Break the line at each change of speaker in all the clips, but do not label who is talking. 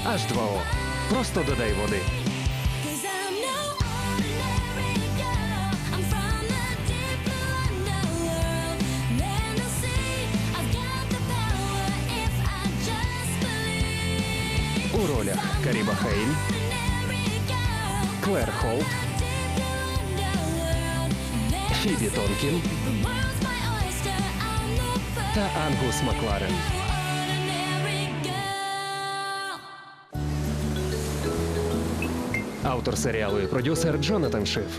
H2O. Просто додай води.
Cause I'm no ordinary girl. I'm from the deep blue underworld. Men will see I've got the power if I just believe.
У ролях Каріба Хейль,
Ordinary girl.
Клер Холт,
Deep blue underworld.
Фібі Тонкін
The world's my oyster. I'm the
та Ангус Макларен.
ordinary girl.
Автор серіалу і продюсер Джонатан Шиф.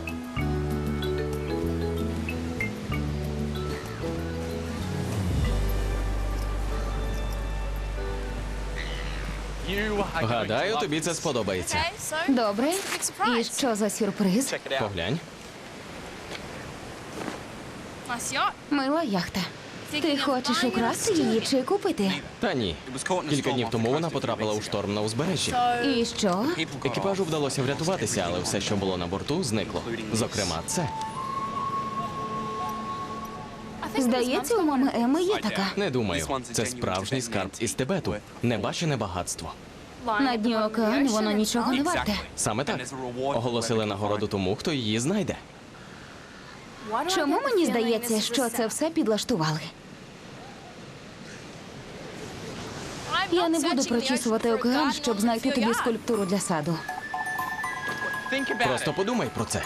Гадаю, тобі це сподобається.
Добре. І що за сюрприз?
Поглянь.
Мила яхта. Ти хочеш украсти її чи купити?
Та ні. Кілька днів тому вона потрапила у шторм на узбережжі.
І що?
Екіпажу вдалося врятуватися, але все, що було на борту, зникло. Зокрема, це.
Здається, у мами Еми є така.
Не думаю. Це справжній скарб із Тибету. Небачене багатство.
На дні океану воно нічого не варте.
Саме так. Оголосили нагороду тому, хто її знайде.
Чому мені здається, що це все підлаштували? Я не буду прочісувати океан, щоб знайти тобі скульптуру для саду.
Просто подумай про це.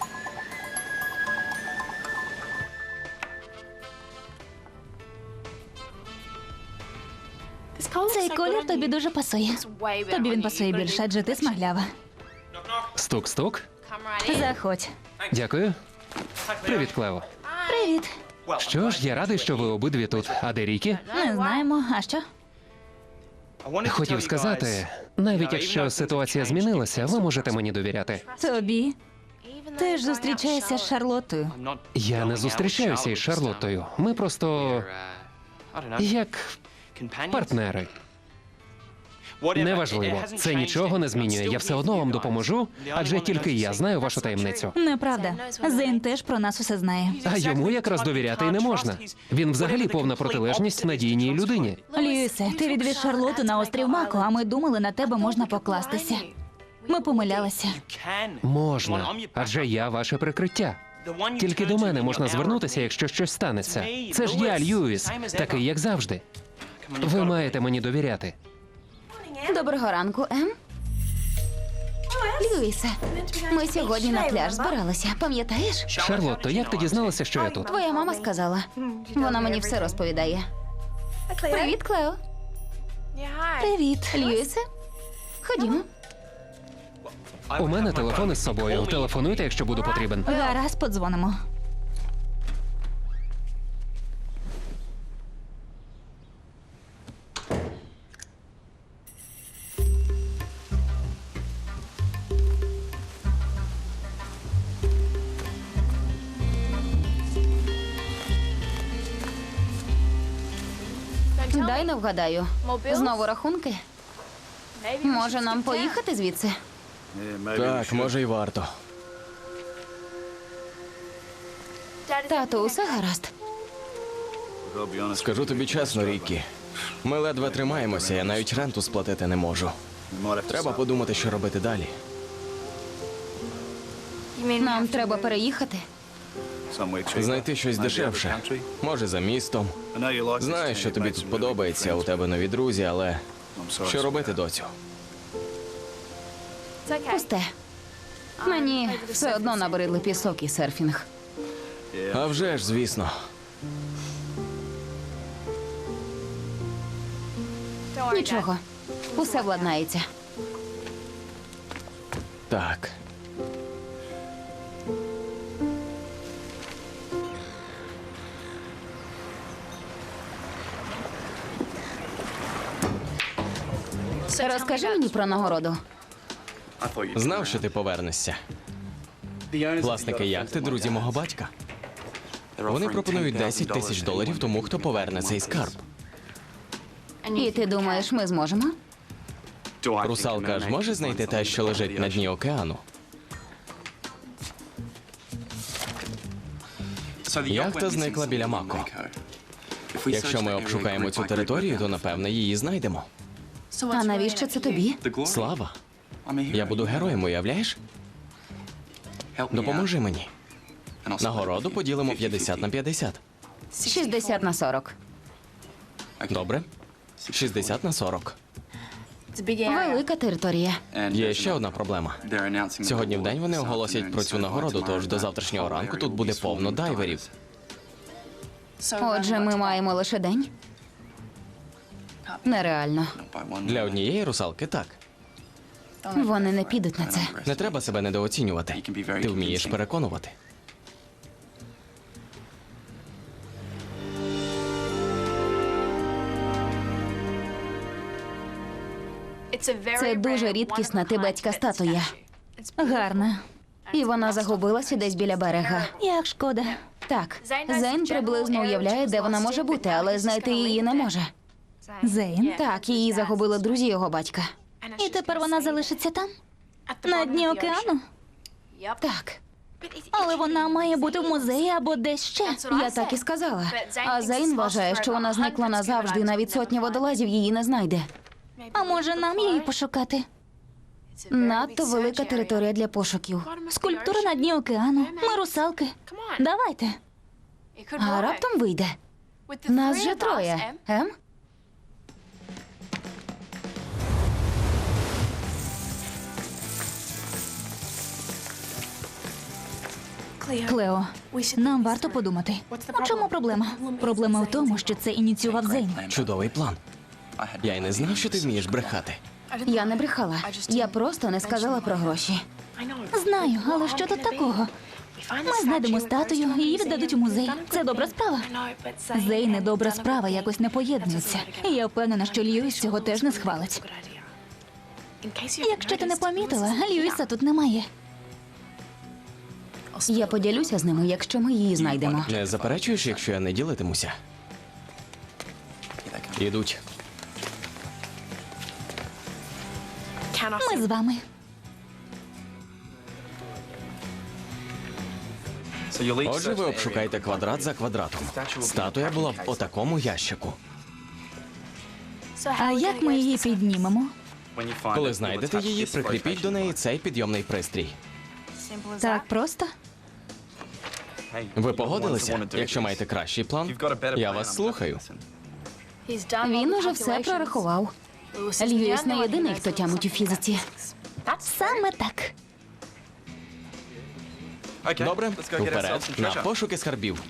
Цей колір тобі дуже пасує. Тобі він пасує більше, адже ти смаглява.
Стук-стук.
Заходь.
Дякую. Привіт, Клево.
Привіт.
Що ж, я радий, що ви обидві тут. А де Рікі?
Не знаємо, а що?
Хотів сказати, навіть якщо ситуація змінилася, ви можете мені довіряти.
Тобі? Ти ж зустрічаєшся з Шарлоттою.
Я не зустрічаюся із Шарлоттою. Ми просто як партнери. Неважливо, це нічого не змінює. Я все одно вам допоможу, адже тільки я знаю вашу таємницю.
Неправда. Зейн теж про нас усе знає.
А йому якраз довіряти й не можна. Він взагалі повна протилежність надійній людині.
Льюісе, ти відвіз Шарлоту на острів Мако, а ми думали, на тебе можна покластися. Ми помилялися.
Можна, адже я ваше прикриття. Тільки до мене можна звернутися, якщо щось станеться. Це ж я, Льюіс, такий, як завжди. Ви маєте мені довіряти.
Доброго ранку, Ем. Льюісе, ми сьогодні на пляж збиралися, пам'ятаєш?
Шарлотто, як ти дізналася, що я тут?
Твоя мама сказала. Вона мені все розповідає. Привіт, Клео.
Привіт.
Льюісе, ходімо.
У мене телефон із собою. Телефонуйте, якщо буду потрібен.
Гаразд, подзвонимо.
Дай не вгадаю. Знову рахунки? Може, нам поїхати звідси?
Так, може й варто.
Тату, усе гаразд.
Скажу тобі чесно, Ріккі. Ми ледве тримаємося, я навіть ренту сплатити не можу. Треба подумати, що робити далі.
Нам треба переїхати.
Знайти щось дешевше. Може, за містом. Знаю, що тобі тут подобається, у тебе нові друзі, але що робити, доцю?
Пусте. Мені все одно набридли пісок і серфінг.
А вже ж, звісно.
Нічого. Усе владнається.
Так.
Розкажи мені про нагороду.
Знав, що ти повернешся. Власники яхти – друзі мого батька. Вони пропонують $10 000 тому, хто поверне цей скарб.
І ти думаєш, ми зможемо?
Русалка ж може знайти те, що лежить на дні океану? Яхта зникла біля Мако. Якщо ми обшукаємо цю територію, то, напевне, її знайдемо.
А навіщо це тобі?
Слава. Я буду героєм, уявляєш? Допоможи мені. Нагороду поділимо 50 на 50.
60 на 40.
Добре? 60 на 40.
Велика територія.
Є ще одна проблема. Сьогодні вдень вони оголосять про цю нагороду, тож до завтрашнього ранку тут буде повно дайверів.
Отже, ми маємо лише день. Нереально.
Для однієї русалки так.
Вони не підуть на це.
Не треба себе недооцінювати. Ти вмієш переконувати.
Це дуже рідкісна тибетська статуя.
Гарна.
І вона загубилася десь біля берега.
Як шкода.
Так, Зейн приблизно уявляє, де вона може бути, але знайти її не може.
Зейн.
Так, її загубили друзі його батька.
І тепер вона залишиться там? На дні океану?
Так,
Але вона має бути в музеї або десь ще.
я так і сказала. А Зейн вважає, що вона зникла назавжди, і навіть сотня водолазів її не знайде.
А може нам її пошукати?
Надто велика територія для пошуків.
Скульптура на дні океану. Ми русалки. Давайте.
А раптом вийде. Нас же троє, ем?
Клео, нам варто подумати. У чому проблема? Проблема в тому, що це ініціював Зейн.
Чудовий план. Я й не знав, що ти вмієш брехати.
Я не брехала. Я просто не сказала про гроші.
Знаю, але що тут такого? Ми знайдемо статую, її віддадуть у музей. Це добра справа. Зейн і добра справа якось не поєднуються. І я впевнена, що Льюіс цього теж не схвалить. Якщо ти не помітила, Льюіса тут немає.
Я поділюся з ними, якщо ми її знайдемо.
Не заперечуєш, якщо я не ділитимуся? Ідуть.
Ми з вами.
Отже, ви обшукаєте квадрат за квадратом. Статуя була в отакому ящику.
А як ми її піднімемо?
Коли знайдете її, прикріпіть до неї цей підйомний пристрій.
Так просто?
Ви погодилися? Якщо маєте кращий план, я вас слухаю.
Він уже все прорахував. Льюіс не єдиний, хто тямить у фізиці.
Саме так.
Добре, вперед, на пошуки скарбів.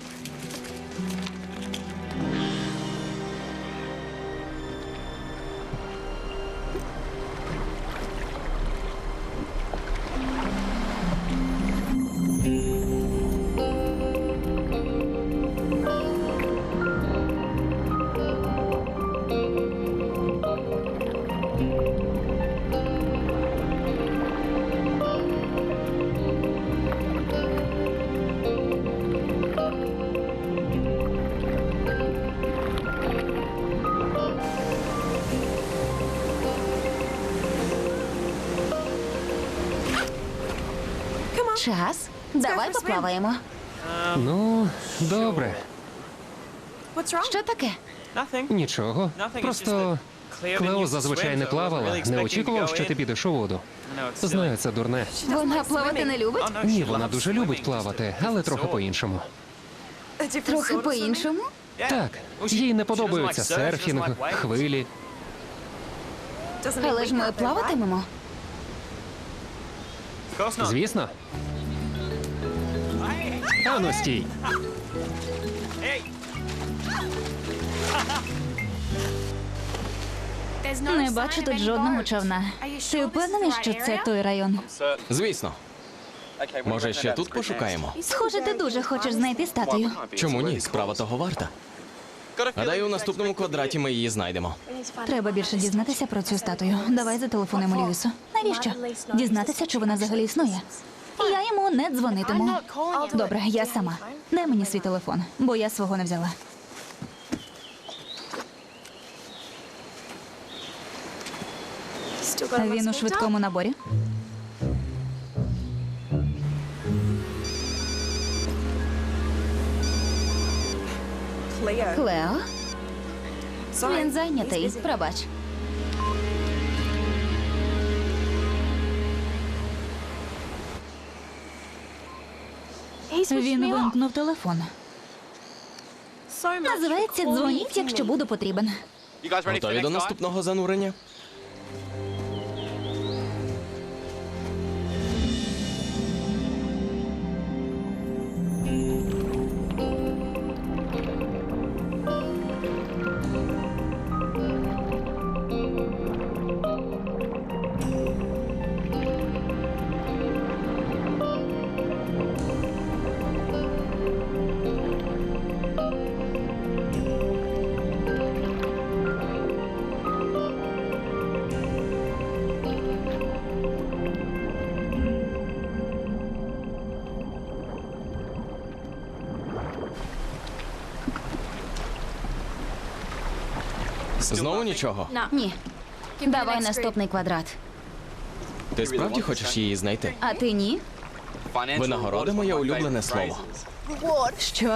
Час. Давай поплаваємо.
Ну, добре.
Що таке?
Нічого. Просто Клео зазвичай не плавала. Не очікував, що ти підеш у воду. Знаю, це дурне.
Вона плавати не любить?
Ні, вона дуже любить плавати, але трохи по-іншому.
Трохи по-іншому?
Так, їй не подобаються серфінг, хвилі.
Але ж ми плаватимемо.
Звісно. Ану, стій.
Не бачу тут жодного човна. Ти впевнений, що це той район?
Звісно. Може, ще тут пошукаємо?
Схоже, ти дуже хочеш знайти статую.
Чому ні? Справа того варта. Гадаю, у наступному квадраті ми її знайдемо.
Треба більше дізнатися про цю статую. Давай зателефонуємо Льюісу. Навіщо? Дізнатися, чи вона взагалі існує. Я йому не дзвонитиму. Добре, я сама. Дай мені свій телефон, бо я свого не взяла. Він у швидкому наборі.
Клео? Він зайнятий, пробач.
Він вимкнув телефон. Називається «Дзвоніть, якщо буду потрібен».
Готові до наступного занурення? Знову нічого?
Ні. Давай наступний квадрат.
Ти справді хочеш її знайти?
А ти ні?
Винагорода – моє улюблене слово.
Що?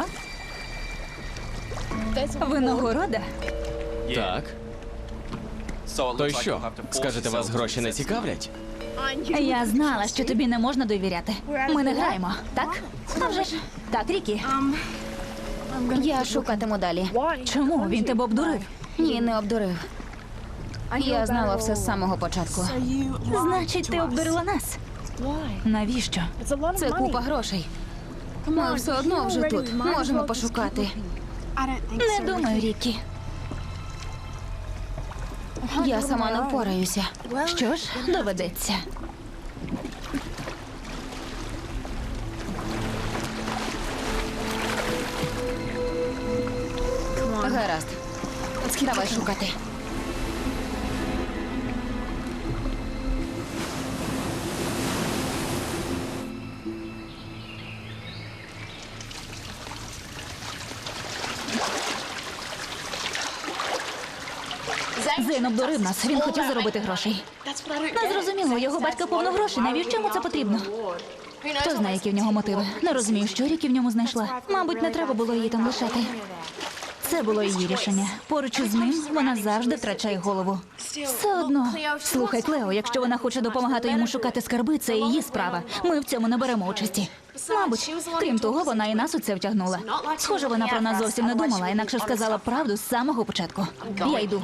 Винагорода?
Так. То й що? Скажете, вас гроші не цікавлять?
Я знала, що тобі не можна довіряти. Ми не граємо, так? А вже ж. Так, Рікі.
Я шукатиму далі.
Чому? Він тебе обдурив.
Ні, не обдурив. Я знала все з самого початку.
Значить, ти обдурила нас. Навіщо?
Це купа грошей. Ми все одно вже тут. Можемо пошукати.
Не думаю, Рікі.
Я сама не впораюся.
Що ж, доведеться.
Гаразд. Давай шукати.
Зейн обдурив нас. Він хотів заробити грошей. Не зрозуміло, його батька повно грошей. Навіщо йому це потрібно? Хто знає, які в нього мотиви? Не розумію, що Рікі в ньому знайшла. Мабуть, не треба було її там лишати. Це було її рішення. Поруч із ним вона завжди втрачає голову. Все одно. Слухай, Клео, якщо вона хоче допомагати йому шукати скарби, це її справа. Ми в цьому не беремо участі. Мабуть, крім того, вона і нас у це втягнула. Схоже, вона про нас зовсім не думала, інакше сказала правду з самого початку. Я йду.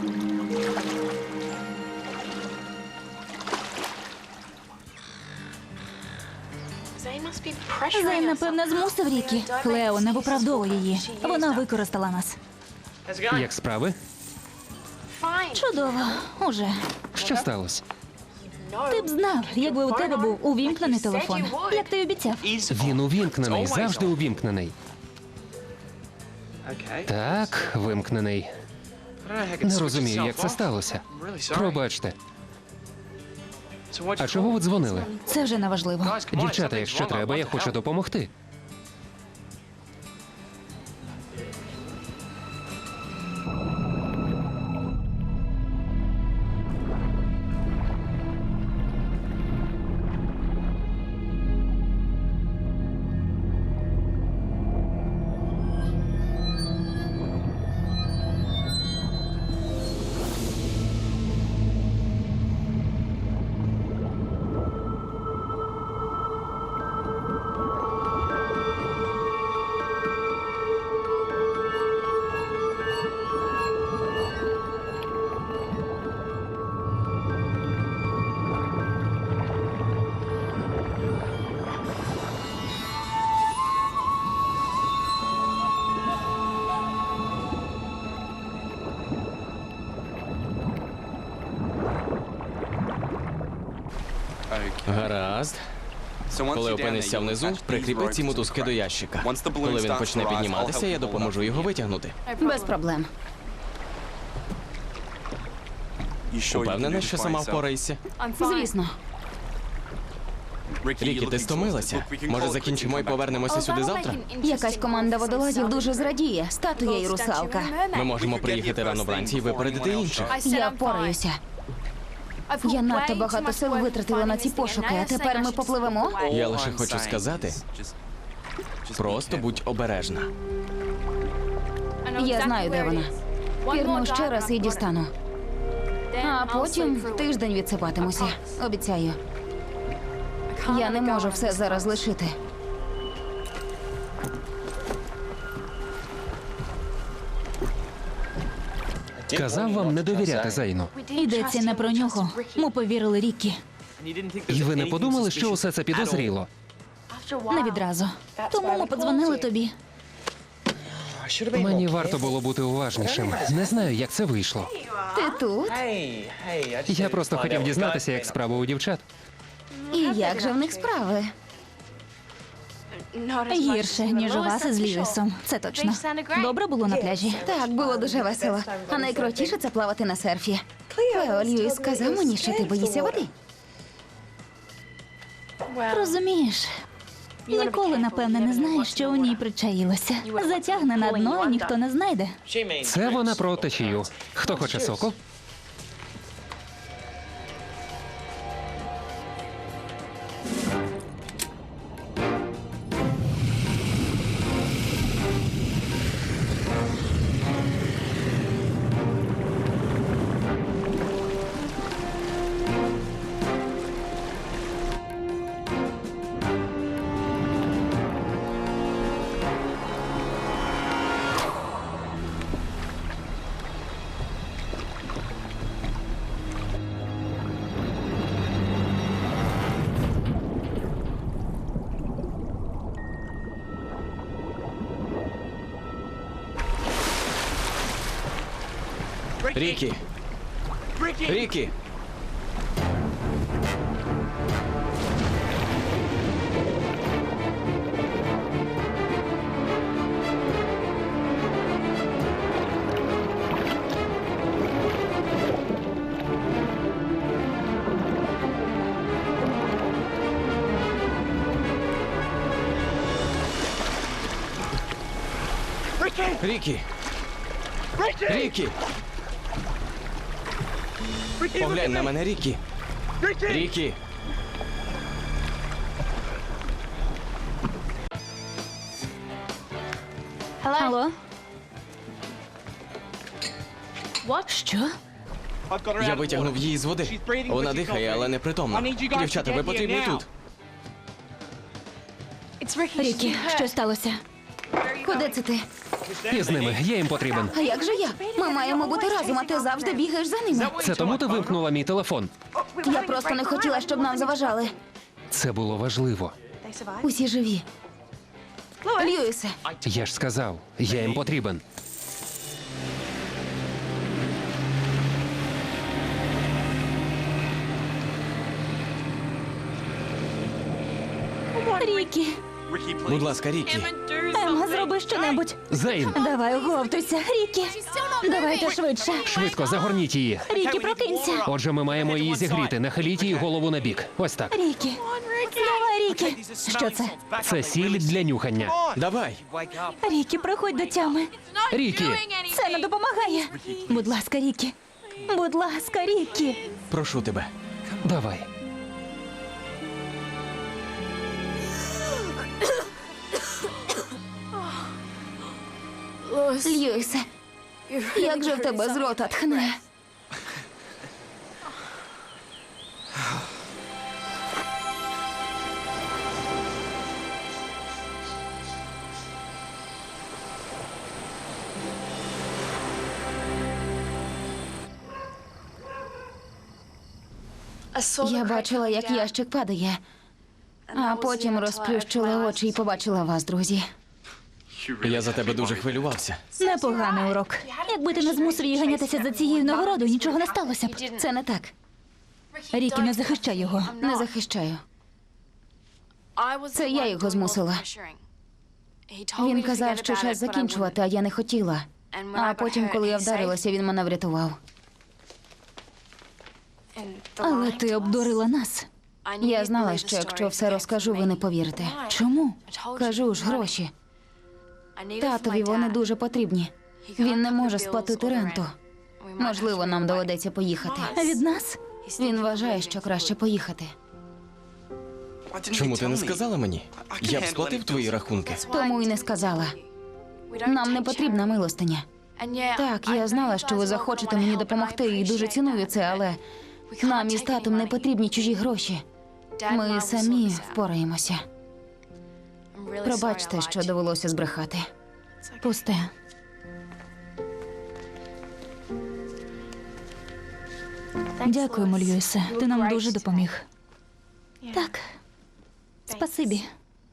Зейн, напевне, змусив Рікі. Клео, не виправдовуй її. Вона використала нас.
Як справи?
Чудово. Уже.
Що сталося?
Ти б знав, якби у тебе був увімкнений телефон. Як ти й обіцяв.
Він увімкнений, завжди увімкнений. Так, вимкнений. Не розумію, як це сталося. Пробачте. А чого ви дзвонили?
Це вже неважливо.
Дівчата, якщо треба, я хочу допомогти.
Гаразд. Коли опинишся внизу, прикріпи ці мотузки до ящика. Коли він почне підніматися, я допоможу його витягнути.
Без проблем.
Упевнена, що сама впораєшся?
Звісно.
Рікі, ти стомилася? Може, закінчимо і повернемося сюди завтра?
Якась команда водолазів дуже зрадіє. Статуя і русалка.
Ми можемо приїхати рано вранці і випередити інших.
Я впораюся. Я надто багато сил витратила на ці пошуки, а тепер ми попливемо.
Я лише хочу сказати, просто будь обережна.
Я знаю, де вона. Пірну ще раз і дістану. А потім тиждень відсипатимуся. Обіцяю. Я не можу все зараз лишити.
Казав вам не довіряти Зейну.
Йдеться не про нього. Ми повірили Рікі.
І ви не подумали, що усе це підозріло?
Не відразу. Тому ми подзвонили тобі.
Мені варто було бути уважнішим. Не знаю, як це вийшло.
Ти тут?
Я просто хотів дізнатися, як справа у дівчат.
І як же в них справи?
Гірше, ніж у вас із Льюісом. Це точно. Добре було на пляжі.
Так, було дуже весело. А найкрутіше це плавати на серфі. Клео, Льюіс сказав мені, що ти боїшся води.
Розумієш, ніколи, напевне, не знаєш, що у ній причаїлося. Затягне на дно, і ніхто не знайде.
Це вона про течію. Хто хоче соку?
Рікі! Рікі! Рікі! Рікі! Поглянь на мене, Рікі! Рікі!
Алло? Що?
Я витягнув її з води. Вона дихає, але не притомна. Дівчата, ви потрібні тут.
Рікі, що сталося?
Куди це ти?
І з ними. Я їм потрібен.
А як же я? Ми маємо бути разом, а ти завжди бігаєш за ними.
Це тому ти вимкнула мій телефон.
Я просто не хотіла, щоб нам заважали.
Це було важливо.
Усі живі. Льюісе,
Я ж сказав, я їм потрібен.
Рікі,
Будь ласка, Рікі.
Емма, зроби щонебудь.
Зейн,
Давай, оговтуйся. Рікі, давайте швидше.
швидко загорніть її.
Рікі, прокинься.
Отже, ми маємо її зігріти. Нахиліть її голову на бік. Ось так.
Рікі, давай, Рікі. Що це?
Це сіль для нюхання.
Давай!
Рікі, приходь до тями.
Рікі,
Це не допомагає. Будь ласка, Рікі. Будь ласка, Рікі.
Прошу тебе.
давай.
Льюісе, як же в тебе з рота тхне? Я бачила, як ящик падає, а потім розплющила очі і побачила вас, друзі.
Я за тебе дуже хвилювався.
Непоганий урок. Якби ти не змусив її ганятися за цією нагородою, нічого не сталося б.
Це не так.
Рікі, не захищай його.
Не захищаю. Це я його змусила. Він казав, що час закінчувати, а я не хотіла. А потім, коли я вдарилася, він мене врятував.
Але ти обдурила нас.
Я знала, що якщо все розкажу, ви не повірите.
Чому?
Кажу ж, гроші. Татові вони дуже потрібні. Він не може сплатити ренту. Можливо, нам доведеться поїхати.
Від нас?
Він вважає, що краще поїхати.
Чому ти не сказала мені? Я б сплатив твої рахунки.
Тому й не сказала. Нам не потрібна милостиня. Так, я знала, що ви захочете мені допомогти, і дуже ціную це, але нам із татом не потрібні чужі гроші. Ми самі впораємося. Пробачте, що довелося збрехати.
Пусте. Дякуємо, Льюісе. Ти нам дуже допоміг. Так. Спасибі.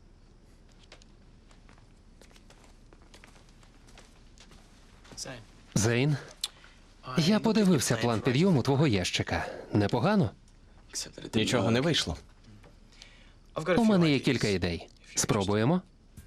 Зейн, я подивився план підйому твого ящика. Непогано.
Нічого не вийшло.
У мене є кілька ідей. Спробуємо.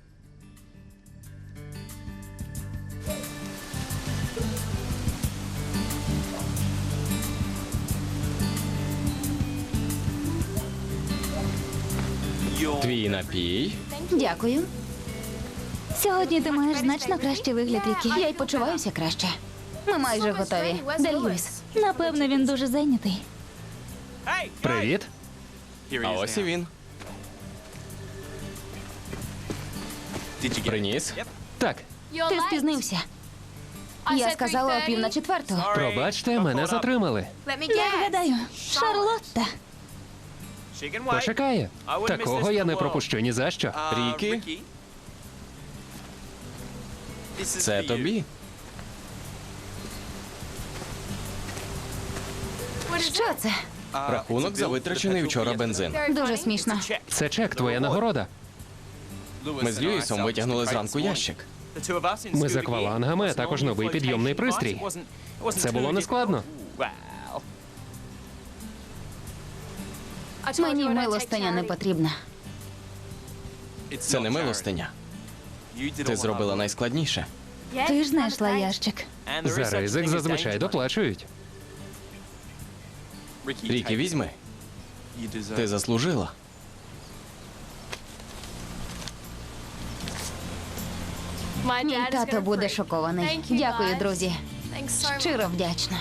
Твій напій.
Дякую.
Сьогодні ти маєш значно кращий вигляд, Рікі.
Я й почуваюся краще. Ми майже готові. Де Льюіс?
Напевно, він дуже зайнятий.
Привіт.
А ось і він. Приніс?
Так,
Ти спізнився. Я сказала о 3:45.
пробачте, мене затримали.
Не вгадаю. Шарлотта.
Почекає. Такого я не пропущу ні за що.
Рікі? Це тобі.
Що це?
Рахунок за витрачений вчора бензин.
Дуже смішно.
Це чек, твоя нагорода.
Ми з Льюісом витягнули зранку ящик.
Ми з аквалангами, а також новий підйомний пристрій. Це було нескладно.
Мені милостиня не потрібна.
Це не милостиня. Ти зробила найскладніше.
Ти ж знайшла ящик.
За ризик зазвичай доплачують.
Рікі, візьми. Ти заслужила.
Мій тато буде шокований. Дякую, друзі. Щиро вдячна.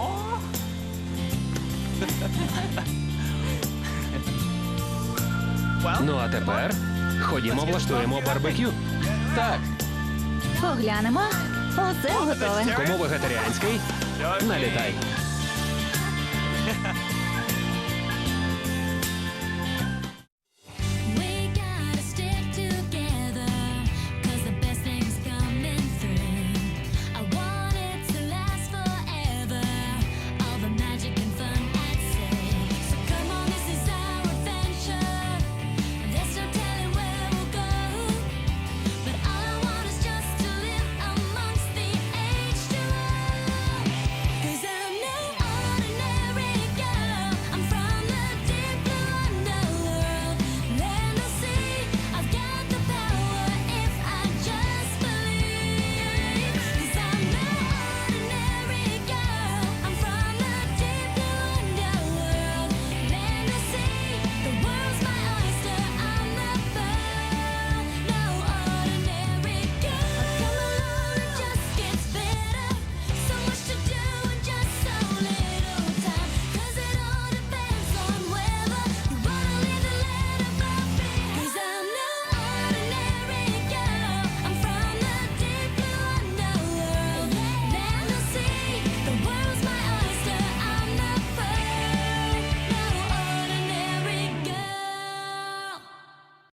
Ну а тепер ходімо, влаштуємо барбекю.
Так.
Поглянемо. Усе готове.
Кому вегетаріанський? Налітай.